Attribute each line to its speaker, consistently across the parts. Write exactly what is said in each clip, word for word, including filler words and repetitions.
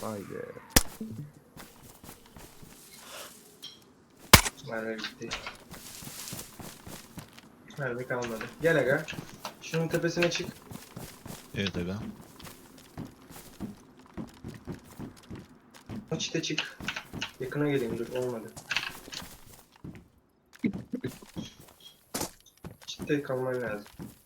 Speaker 1: Haydi.
Speaker 2: Merve gitti. Merve kalmadı. Gel aga. Şunun tepesine çık.
Speaker 3: Evet aga.
Speaker 2: Çite çık. Yakına geleyim dur olmadı. Çite kalman lazım.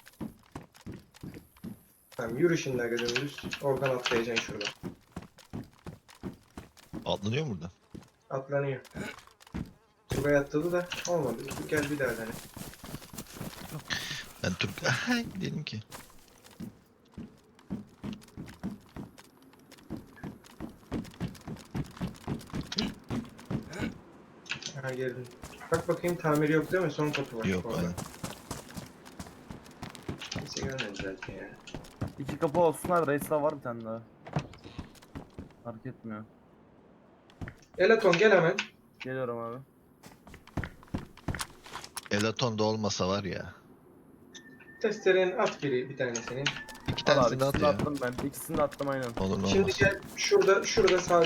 Speaker 2: Tamam yürü şimdi aga dümdüz. Oradan atlayacaksın şuradan.
Speaker 3: Atlanıyor mu burada?
Speaker 2: Atlanıyor. Turgay atladı da olmadı. Gel bir daha dene.
Speaker 3: Ben Türk... Dedim ki.
Speaker 2: Ha geldim. Bak bakayım tamiri yok değil mi? Son kapı var.
Speaker 3: Yok
Speaker 2: orada.
Speaker 3: aynen.
Speaker 2: Kimse görmedi zaten ya.
Speaker 1: İki kapı olsunlar. Reis daha var bir tane daha. Fark etmiyor.
Speaker 2: Elaton gel hemen.
Speaker 1: Geliyorum abi.
Speaker 3: Elaton da olmasa var ya.
Speaker 2: Testerenin at biri bir tane senin.
Speaker 3: İki
Speaker 1: Al abi
Speaker 3: tanesini de at
Speaker 1: ikisini de
Speaker 3: ya.
Speaker 1: attım ben. İkisini de attım aynen.
Speaker 3: Olur mu
Speaker 2: Şimdi
Speaker 3: olmaz.
Speaker 2: gel şurada şurada sağ.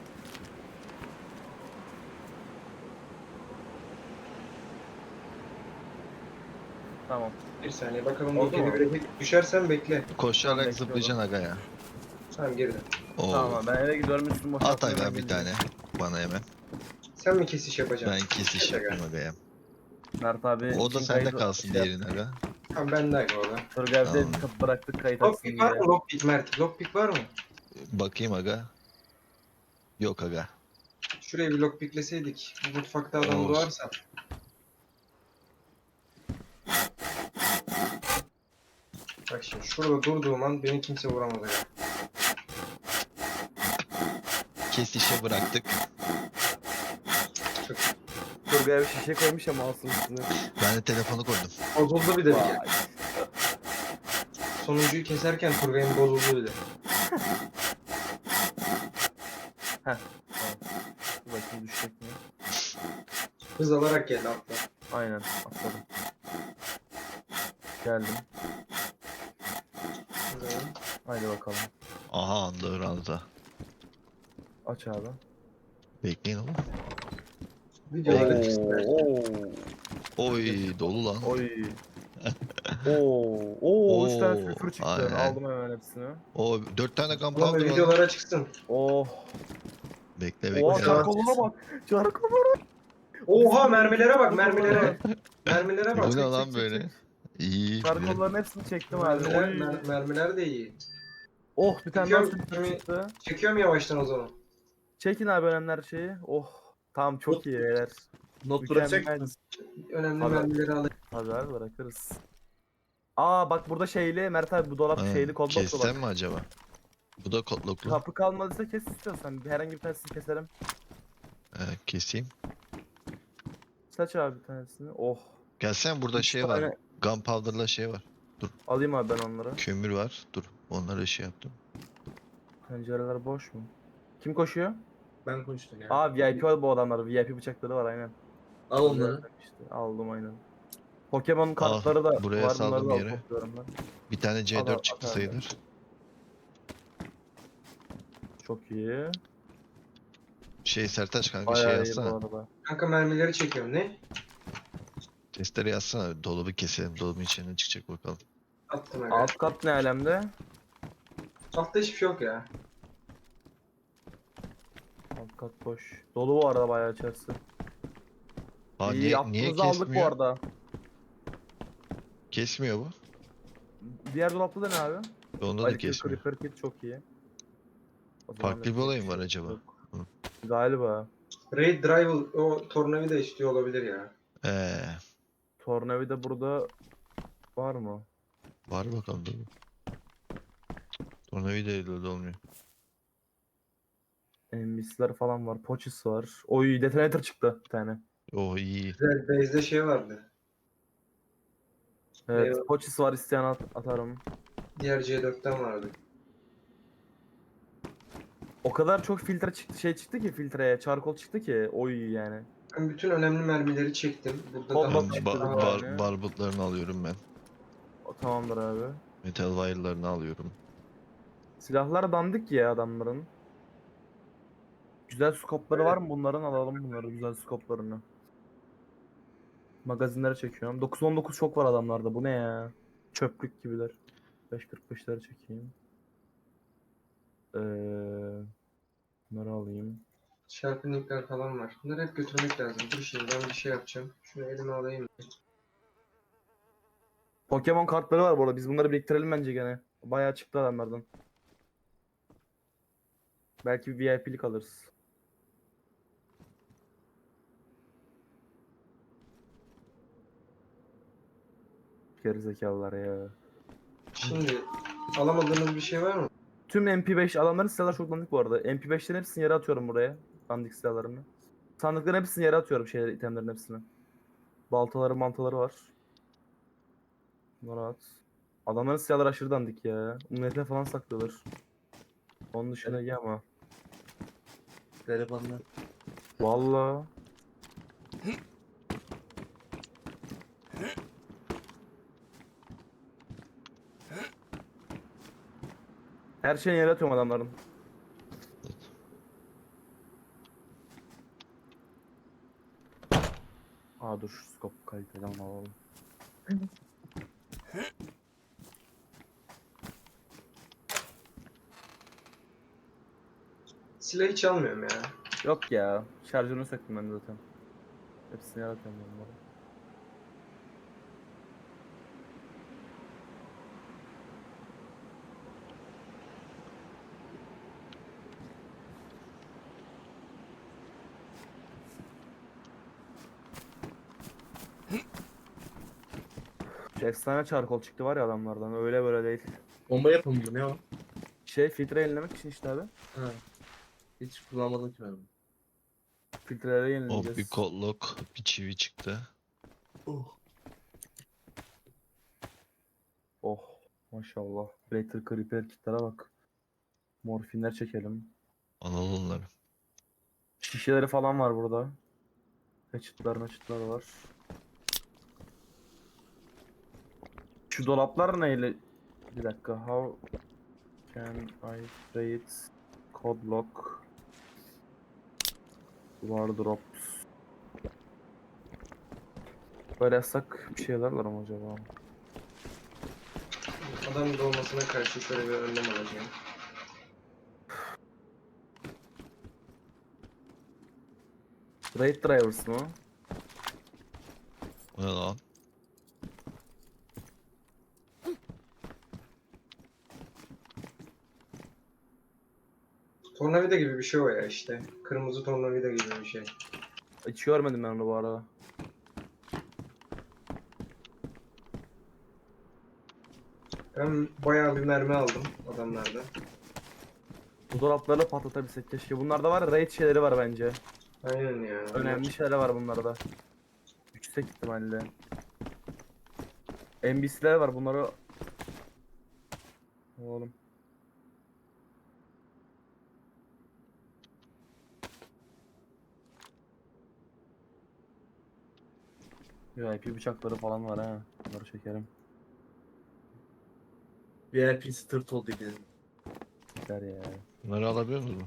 Speaker 1: Tamam.
Speaker 2: Bir saniye bakalım
Speaker 1: Oldu
Speaker 2: bu
Speaker 1: mu?
Speaker 2: kedi bire düşersen bekle.
Speaker 3: Koşarak
Speaker 1: Tamam,
Speaker 3: zıplayacaksın aga ya.
Speaker 2: Tamam geri dön.
Speaker 3: Oo.
Speaker 1: Tamam abi ben eve gidiyorum üstümü
Speaker 3: At
Speaker 1: boşaltmaya
Speaker 3: aga
Speaker 1: ben
Speaker 3: bir
Speaker 1: geleceğim.
Speaker 3: tane. Bana hemen.
Speaker 2: Sen mi kesiş yapacaksın?
Speaker 3: Ben kesiş
Speaker 2: Evet aga.
Speaker 3: yapayım aga ya.
Speaker 1: Mert abi
Speaker 3: O da
Speaker 1: için
Speaker 3: sende
Speaker 1: kaydı-
Speaker 3: kalsın
Speaker 1: şey
Speaker 3: diğerini aga.
Speaker 2: Tamam ben de aga orada.
Speaker 1: Turgay abi de
Speaker 3: Tamam.
Speaker 1: kapı bıraktık kayıt açsın
Speaker 2: Lockpick var
Speaker 1: diye.
Speaker 2: mı? Lockpick Mert. Lockpick var mı?
Speaker 3: Bakayım aga. Yok aga.
Speaker 2: Şuraya bir lockpickleseydik. Bu mutfakta adam
Speaker 3: Olsun.
Speaker 2: doğarsa. Bak şimdi şurada durduğum an beni kimse vuramaz aga.
Speaker 3: Kesişe bıraktık.
Speaker 2: Çok
Speaker 1: Turgay abi şişe koymuş ama alsın üstüne.
Speaker 3: Ben de telefonu koydum.
Speaker 2: bozuldu bir de bir
Speaker 1: Vay.
Speaker 2: kere. Sonuncuyu keserken Turgay'ın bozuldu bir de.
Speaker 1: Heh. Tamam. Dur bakayım düşecek mi?
Speaker 2: Hız alarak geldi atla.
Speaker 1: Aynen atladım. Geldim. Haydi bakalım.
Speaker 3: Aha andı ranza.
Speaker 1: Aç abi.
Speaker 3: Bekleyin oğlum.
Speaker 2: Videoları
Speaker 1: Oo,
Speaker 2: çıksın.
Speaker 1: oo.
Speaker 3: Oy dolu lan.
Speaker 1: Oy. Oo, oo, üç tane
Speaker 3: Oo,
Speaker 1: sülfür çıktı.
Speaker 3: aynen.
Speaker 1: Aldım hemen hepsini.
Speaker 3: O dört tane
Speaker 2: Ulan
Speaker 3: gunpowder var.
Speaker 2: videolara çıksın.
Speaker 1: Oh.
Speaker 3: Bekle
Speaker 1: Oha
Speaker 3: bekle.
Speaker 2: Boşa-
Speaker 1: çarkoluna bak. Çarkoluna.
Speaker 2: Oha mermilere bak mermilere. Mermilere bak.
Speaker 3: Bu ne
Speaker 1: çek,
Speaker 3: lan
Speaker 1: çek,
Speaker 3: böyle?
Speaker 1: çek.
Speaker 3: İyi.
Speaker 1: Çarkolların hepsini çektim abi.
Speaker 2: Mermiler,
Speaker 1: Oy.
Speaker 2: mer- mermiler de iyi.
Speaker 1: Oh bir tane daha
Speaker 2: Çekiyorum,
Speaker 1: sülfür
Speaker 2: şimdi-
Speaker 1: çıktı.
Speaker 2: Çekiyorum yavaştan o zaman.
Speaker 1: Çekin abi önemli şeyi. Oh. Tamam çok iyi beyler.
Speaker 4: Not
Speaker 1: Mükemmel.
Speaker 4: bırakacak mısın?
Speaker 2: Önemli
Speaker 1: Abi.
Speaker 2: mermileri alayım.
Speaker 1: Tabii abi bırakırız. Aa bak burada şeyli Mert abi bu dolap
Speaker 3: Ha,
Speaker 1: şeyli kodloklu
Speaker 3: Kessem
Speaker 1: bak.
Speaker 3: mi acaba? Bu da kodloklu.
Speaker 1: Kapı kalmadıysa kes istiyorsan. Herhangi bir tanesini keselim.
Speaker 3: Ee, keseyim.
Speaker 1: Saç abi bir tanesini. Oh.
Speaker 3: Gelsen burada
Speaker 1: Üç
Speaker 3: şey var.
Speaker 1: tane-
Speaker 3: Gunpowder'la şey var.
Speaker 1: Alayım abi ben onları.
Speaker 3: Kömür var. Dur. Onları şey yaptım.
Speaker 1: Pencereler boş mu? Kim koşuyor?
Speaker 2: Ben konuştum ya.
Speaker 1: Aa V I P var bu adamlar. V I P bıçakları var aynen.
Speaker 4: Al onları.
Speaker 1: İşte aldım aynen. Pokemon kartları da
Speaker 3: buraya
Speaker 1: var.
Speaker 3: saldım
Speaker 1: Bunları da alıp
Speaker 3: yere.
Speaker 1: topluyorum ben.
Speaker 3: Bir tane C
Speaker 1: Al, al,
Speaker 3: dört çıktı
Speaker 1: at abi.
Speaker 3: sayılır.
Speaker 1: Çok iyi.
Speaker 3: Şey Sertaç kanka
Speaker 1: Bayağı
Speaker 3: şey
Speaker 1: iyi bu
Speaker 3: yazsana.
Speaker 1: arada.
Speaker 2: Kanka mermileri çekiyorum ne?
Speaker 3: Testere yazsana. Dolabı keselim. Dolabın içinden çıkacak bakalım.
Speaker 2: Attım aga.
Speaker 1: Alt kat ne alemde?
Speaker 2: Altta hiçbir şey yok ya.
Speaker 1: Alt kat boş. Dolu bu arada bayağı içerisi.
Speaker 3: Aa,
Speaker 1: iyi
Speaker 3: niye, niye
Speaker 1: aklınızı aldık bu
Speaker 3: kesmiyor?
Speaker 1: arada.
Speaker 3: Kesmiyor bu.
Speaker 1: Diğer dolapta da ne abi?
Speaker 3: Onda da
Speaker 1: Ali Kır
Speaker 3: kesmiyor.
Speaker 1: Creeper Kit çok iyi. O zaman
Speaker 3: Farklı bir
Speaker 1: yapacak
Speaker 3: olay mı
Speaker 1: şey
Speaker 3: var acaba?
Speaker 1: yok.
Speaker 3: Hı.
Speaker 1: Galiba.
Speaker 2: Raid Drive o tornavida istiyor olabilir ya.
Speaker 3: Ee,
Speaker 1: Tornavida burada var mı?
Speaker 3: var bakalım dur. Tornavida ile de olmuyor.
Speaker 1: Envisler falan var. Pochis var. Oy detonator çıktı bir tane.
Speaker 3: Oh iyi.
Speaker 2: Güzel base'de şey vardı.
Speaker 1: Evet
Speaker 2: Eyvah.
Speaker 1: Pochis var isteyen at atarım.
Speaker 2: Diğer C dörtten vardı.
Speaker 1: O kadar çok filtre çıktı şey çıktı ki filtreye. Charcoal çıktı ki. Oy yani.
Speaker 2: Ben bütün önemli mermileri çektim. Burada
Speaker 1: Kol
Speaker 2: daha
Speaker 1: bak
Speaker 3: Ben
Speaker 1: çıktı
Speaker 3: ba-
Speaker 1: bir
Speaker 3: bar-
Speaker 1: tane.
Speaker 3: barbutlarını alıyorum ben.
Speaker 1: O tamamdır abi.
Speaker 3: Metal wire'larını alıyorum.
Speaker 1: Silahlar dandik ya adamların. Güzel skopları var mı bunların? Alalım bunları, güzel skoplarını. Magazinlere çekiyorum. dokuz on dokuz çok var adamlarda. Bu ne ya? Çöplük gibiler. beş kırk beşleri çekeyim. Ee, bunları alayım.
Speaker 2: Şarpınlıklar falan var. Bunları hep götürmek lazım. Dur şimdi ben bir şey yapacağım. Şunu elime alayım.
Speaker 1: Pokemon kartları var bu arada. Biz bunları biriktirelim bence gene. Bayağı çıktı adamlardan. Belki bir V I P'lik alırız. Gerizekalılar ya.
Speaker 2: Şimdi alamadığınız bir şey var mı?
Speaker 1: Tüm M P beş adamların silahları çok dandik bu arada. M P beşlerin hepsini yere atıyorum buraya. Dandik silahlarını. Sandıkların hepsini yere atıyorum, şeyler, itemlerin hepsini. Baltaları mantaları var. Bunları at. Adamların silahları aşırı dandik ya. Umniyete falan saklıyorlar. Onun dışında iyi ama.
Speaker 4: Garibanlar.
Speaker 1: Valla. Her şeyi yere atıyorum adamların. Aa dur, şu scope kaliteli ama alalım.
Speaker 2: Silah hiç almıyorum ya.
Speaker 1: Yok ya. Şarjörünü söktüm ben de zaten. Hepsini yere atıyorum bunları. Şu efsane çarkol çıktı var ya adamlardan. Öyle böyle değil.
Speaker 4: Bomba yapımı mı ne o?
Speaker 1: Şey, filtre yenilemek için işte abi.
Speaker 4: Ha. Hiç kullanmadım ki ben. bunu.
Speaker 1: Filtreleri
Speaker 3: Oh, bir
Speaker 1: yenileyeceğiz.
Speaker 3: kolluk, bir çivi çıktı.
Speaker 4: Oh.
Speaker 1: Oh maşallah. Blater Creeper kitlere bak. Morfinler çekelim.
Speaker 3: Analı onları.
Speaker 1: Şişeleri falan var burada. Hatchet'lar hatchet'lar var. Şu dolaplar neyle? Bir dakika. How can I trade code lock wardrobes? Böyle yazsak bir şeyler var mı acaba?
Speaker 2: Adam dolmasına karşı şöyle bir önlem alacağım.
Speaker 1: Raid drivers mı?
Speaker 3: O ne lan?
Speaker 2: Tornavida gibi bir şey o ya işte. Kırmızı tornavida gibi bir şey.
Speaker 1: Hiç görmedim ben onu bu arada.
Speaker 2: Ben bayağı bir mermi aldım adamlardan.
Speaker 1: Bu dolapları patlatabilsek keşke. Bunlarda var ya, raid şeyleri var bence.
Speaker 2: Aynen ya.
Speaker 1: Önemli şeyler var bunlarda. Yüksek ihtimalle. N B C'ler var, bunları oğlum. V I P bıçakları falan var ha. Bunları çekerim.
Speaker 4: V I P tırt oldu bizim.
Speaker 1: Gider ya.
Speaker 3: Bunları alabiliyor musun?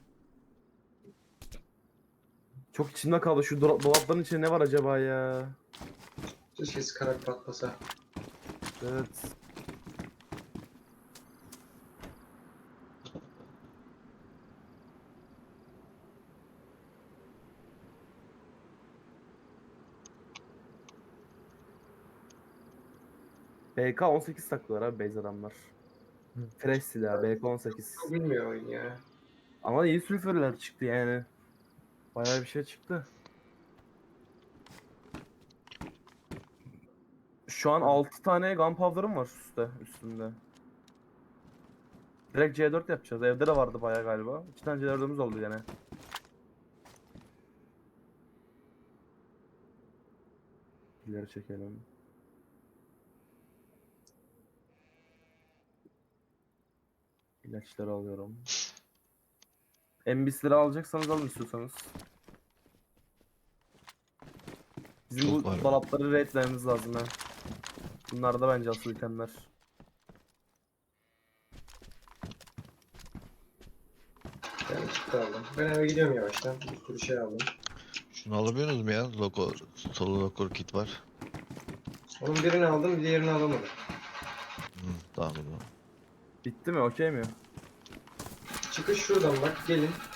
Speaker 1: Çok içimde kaldı, şu do- dolapların içinde ne var acaba ya?
Speaker 2: Keşke skarak patlasa.
Speaker 1: Evet. B K on sekiz saklıyorlar abi base adamlar. Fresh silah B K on sekiz.
Speaker 2: Bilmiyor oyun ya.
Speaker 1: Ama iyi sülfürler çıktı yani. Bayağı bir şey çıktı. Şu an altı tane gunpowder'ım var üstte, üstünde. Direkt C dört yapacağız. Evde de vardı bayağı galiba. İki tane C dört'ümüz oldu gene. İleri çekelim. İlaçları alıyorum. N B C'leri alacaksanız alın istiyorsanız. Bizim
Speaker 3: Çok
Speaker 1: bu
Speaker 3: var.
Speaker 1: dolapları raidlememiz lazım ha. Bunlar da bence asıl itemler.
Speaker 2: Ben kit aldım. Ben eve gidiyorum yavaştan. Bir sürü şey aldım.
Speaker 3: Şunu alabiliyorsunuz mu ya? Logo, solo logo kit var.
Speaker 2: Onun birini aldım, diğerini alamadım.
Speaker 3: Hı, tamam o zaman.
Speaker 1: Bitti mi? Okey mi?
Speaker 2: Çıkış şuradan bak, gelin.